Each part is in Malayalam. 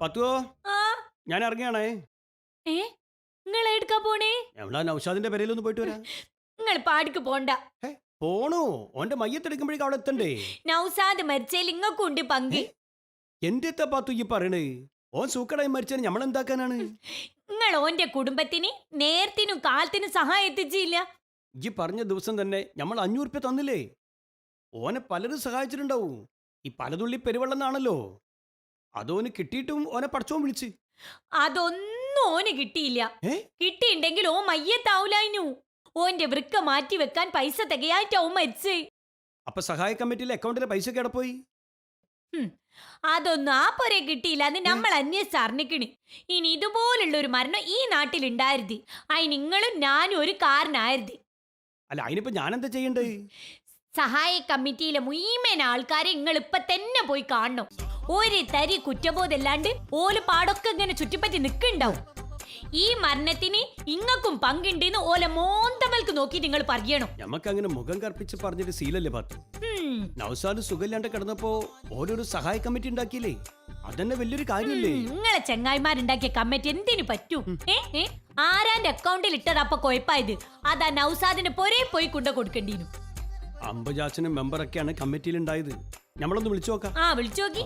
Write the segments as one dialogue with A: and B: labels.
A: പത്തുവോ
B: ആ
A: ഞാൻ ഇറങ്ങിയാണേ.
B: ഏ നിങ്ങൾ എടുക്കാ പോണേ?
A: എവിടാ നൗഷാദിന്റെ പെരയിലൊന്ന് പോയിട്ട് വരാം.
B: നിങ്ങൾ പാടിക്ക് പോണ്ട.
A: പോണോ? ഓന്റെ മയ്യത്തെടുക്കുമ്പോഴേക്കും അവിടെ എത്തണ്ടേ?
B: നൗസാദ് മരിച്ചേൽ ഇങ്ങക്കും ഉണ്ട് പങ്ക്.
A: എന്റെ പാത്തു ഈ പറയണേ. ഓൻ സൂക്കടായി മരിച്ചാൽ നമ്മളെന്താക്കാനാണ്?
B: നിങ്ങൾ ഓന്റെ കുടുംബത്തിന് നേരത്തിനും കാലത്തിനും സഹായം എത്തിച്ചില്ല.
A: ഈ പറഞ്ഞ ദിവസം തന്നെ നമ്മൾ 500 രൂപ തന്നില്ലേ? ഓനെ പലരും സഹായിച്ചിട്ടുണ്ടാവും. ഈ പലതുള്ളി പെരുവെള്ളന്നാണല്ലോ. അതോന് കിട്ടിയിട്ടും ഓനെ പടച്ചോൻ വിളിച്ച്.
B: അതൊന്നും ഓന് കിട്ടിയില്ല.
A: ഏ?
B: കിട്ടിയിണ്ടെങ്കിൽ ഓ മയ്യത്താവൂലായിനു. ഓന്റെ വൃക്ക മാറ്റി വെക്കാൻ പൈസ തികയായിട്ടാവും മരിച്ച്.
A: അപ്പൊ സഹായ കമ്മിറ്റിയിലെ അക്കൗണ്ടിലെ പൈസ കിടപ്പോയി.
B: അതൊന്നും ആ പൊരെ കിട്ടിയില്ല എന്ന് നമ്മൾ അന്വേഷിച്ചറിഞ്ഞിക്കണ്. ഇനി ഇതുപോലുള്ള ഒരു മരണം ഈ നാട്ടിലുണ്ടായിരുത്. അതിന് നിങ്ങളും ഞാനും ഒരു കാരനായിരുത്.
A: അല്ല അതിനിപ്പോ ഞാനെന്താ ചെയ്യണ്ടേ?
B: സഹായ കമ്മിറ്റിയിലെ മുഴുവൻ ആൾക്കാരെ നിങ്ങൾ ഇപ്പൊ തന്നെ പോയി കാണണം. ഒരു തരി കുറ്റബോധമല്ലാണ്ട് ഓല് പാടൊക്കെ ഇങ്ങനെ ചുറ്റിപ്പറ്റി നിൽക്കുന്നുണ്ടാവും. ഈ മരണത്തിന് ഇങ്ങക്കും പങ്കുണ്ടെന്ന് ഓല മോന്തമൽക്ക് നോക്കി നിങ്ങൾ പറയണം.
A: ഞമ്മക്ക് അങ്ങനെ മുഖം കർപ്പിച്ച് പറഞ്ഞിട്ട് സീലല്ലേ പാത്തു. നൗസാദ് സുഖമില്ലാണ്ട് കിടന്നപ്പോ ഓരോരു സഹായ കമ്മിറ്റി ഉണ്ടാക്കിയില്ലേ? അതന്നെ വലിയൊരു കാര്യമില്ലേ?
B: നിങ്ങളെ ചെങ്ങായിമാരുണ്ടാക്കിയ കമ്മിറ്റി എന്തിനു പറ്റൂ? ആരാന്റെ അക്കൗണ്ടിൽ ഇട്ടത് അപ്പൊ കൊഴപ്പായത്? അതാ നൗസാദിന്റെ പൊരേ പോയി കൊണ്ട കൊടുക്കേണ്ടീനു.
A: അമ്പജാച്ചനും മെമ്പറൊക്കെയാണ് കമ്മിറ്റിയിൽ ഉണ്ടായത്. നമ്മളൊന്ന് വിളിച്ചു നോക്കാം.
B: ആ വിളിച്ചു നോക്കി.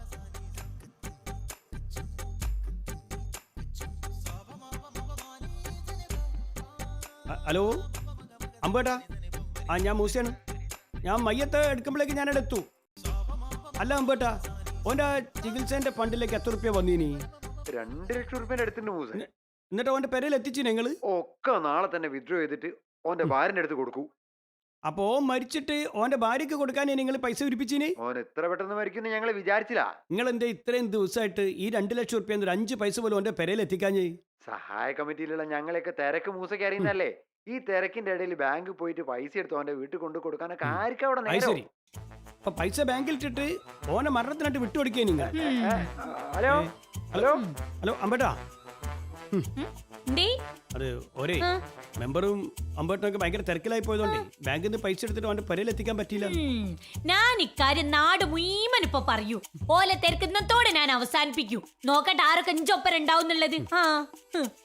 A: ഹലോ അമ്പേട്ടാ. ഞാൻ മൂസയാണ്. ഞാൻ മയ്യത്ത് എടുക്കുമ്പോഴേക്ക് ഞാനിവിടെ എത്തൂ. അല്ല അമ്പേട്ടാ, ഓന്റെ ചികിത്സേന്റെ ഫണ്ടിലേക്ക് എത്ര റുപ്യ വന്നീനി?
C: 2 ലക്ഷം റുപ്യ എടുത്തിട്ടുണ്ട് മൂസ.
A: എന്നിട്ട് ഓന്റെ പെരയിൽ എത്തിച്ചു ഞങ്ങള്.
C: ഒക്കെ നാളെ തന്നെ വിഡ്രോ ചെയ്തിട്ട് ഓന്റെ ഭാര്യന്റെ അടുത്ത് കൊടുക്കൂ.
A: അപ്പൊ ഓൻ മരിച്ചിട്ട് ഓന്റെ ഭാര്യക്ക് കൊടുക്കാൻ നിങ്ങൾ പൈസ ഉരിപ്പിച്ചിനി?
C: ഓൻ എത്ര പെട്ടെന്ന് മരിക്കുന്നു ഞങ്ങൾ വിചാരിച്ചില്ല.
A: നിങ്ങൾ എന്റെ ഇത്രയും ദിവസമായിട്ട് ഈ 2 ലക്ഷം റുപ്യ 5 പൈസ പോലും ഓന്റെ പെരയിൽ എത്തിക്കാഞ്ഞേ?
C: സഹായ കമ്മിറ്റിയിലുള്ള ഞങ്ങളെയൊക്കെ തിരക്ക് മൂസയ്ക്ക് അറിയുന്നല്ലേ. ഈ തിരക്കിന്റെ ഇടയിൽ ബാങ്ക് പോയിട്ട് പൈസ എടുത്ത് ഓന്റെ വീട്ടിൽ കൊണ്ടു കൊടുക്കാനൊക്കെ ആർക്കും അവിടെ നേരം.
A: ശരി. അപ്പൊ പൈസ ബാങ്കിൽ ഇട്ടിട്ട് ഓനെ മരണത്തിനായിട്ട് വിട്ടുകൊടുക്കേ നിങ്ങൾ?
C: ഹലോ ഹലോ
A: ഹലോ അമ്പേട്ടാ.
B: എന്തേ?
A: അത് ഒരേ മെമ്പറും അമ്പേട്ടനൊക്കെ ഭയങ്കര തിരക്കിലായി പോയതുകൊണ്ടേ ബാങ്കിൽ നിന്ന് പൈസ എടുത്തിട്ട് അവന്റെ പെരയിൽ എത്തിക്കാൻ പറ്റിയില്ല.
B: ഞാൻ ഇക്കാര്യം നാട് മുഴുവൻ ഇപ്പൊ പറയൂ. ഓല തിരക്കുന്നതോടെ ഞാൻ അവസാനിപ്പിക്കൂ. നോക്കട്ടെ ആരൊക്കെ 5 ഒപ്പരം ഉണ്ടാവുന്നുള്ളത്.